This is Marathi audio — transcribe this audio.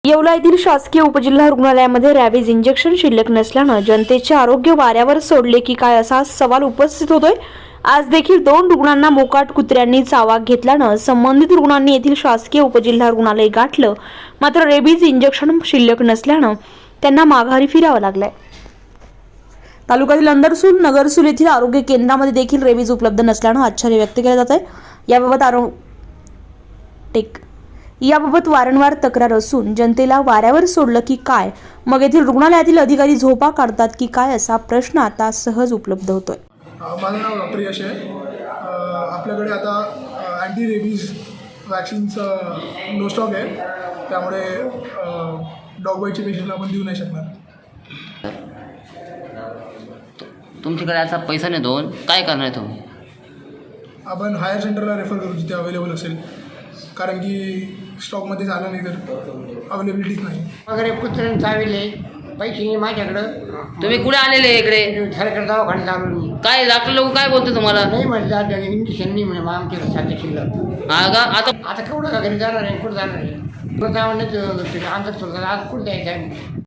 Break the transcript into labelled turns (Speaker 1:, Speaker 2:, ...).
Speaker 1: येवला येथील शासकीय उपजिल्हा रुग्णालयामध्ये रॅबीज इंजेक्शन शिल्लक नसल्यानं जनतेचे आरोग्य वाऱ्यावर सोडले की काय असा सवाल उपस्थित होतोय। आज देखील 2 रुग्णांना मोकाट कुत्र्यांनी चावा घेतल्यानं संबंधित रुग्णांनी येथील शासकीय उपजिल्हा रुग्णालय गाठलं। मात्र रेबीज इंजेक्शन शिल्लक नसल्यानं त्यांना माघारी फिरावं लागलंय। तालुक्यातील अंदरसूल नगरसूल येथील आरोग्य केंद्रामध्ये देखील रेबीज उपलब्ध नसल्यानं आश्चर्य व्यक्त केलं जात आहे। याबाबत वारंवार तक्रार असून जनतेला वाऱ्यावर सोडलं की काय, मग येथील रुग्णालयातील अधिकारी झोपा काढतात की काय असा प्रश्न आता सहज उपलब्ध होतोय।
Speaker 2: माझं नाव डॉक्टर यश आहे। आपल्याकडे आता अँटी रेबीज वॅक्सिनचं नो स्टॉक आहे, त्यामुळे डॉग बाईटचे पेशंटला आपण देऊ नाही शकणार।
Speaker 3: तुमच्याकडे आता पैसा नाही दोन काय करणार आहे तुम्ही?
Speaker 2: आपण हायर सेंटरला रेफर करू जिथे अवेलेबल असेल, कारण की स्टॉकमध्ये झालं नाही तर अवेलेबिलिटीच नाही।
Speaker 4: वगैरे कुत्र्यानं चाविले, पैसे नाही माझ्याकडं।
Speaker 3: तुम्ही कुठे आलेले इकडे?
Speaker 4: सरकार दवाखान्यात आलो मी।
Speaker 3: काय डॉक्टर लोक काय बोलते तुम्हाला?
Speaker 4: नाही म्हटलं आता इंजेक्शन नाही म्हणे, मग आमच्याकडे साध्या शिल्लक।
Speaker 3: हा का?
Speaker 4: आता केवढं का घरी जाणार आहे, कुठं जाणार आहे? कुठं जावं नाही, अंतर सोडतात, आज कुठं जायचं आहे?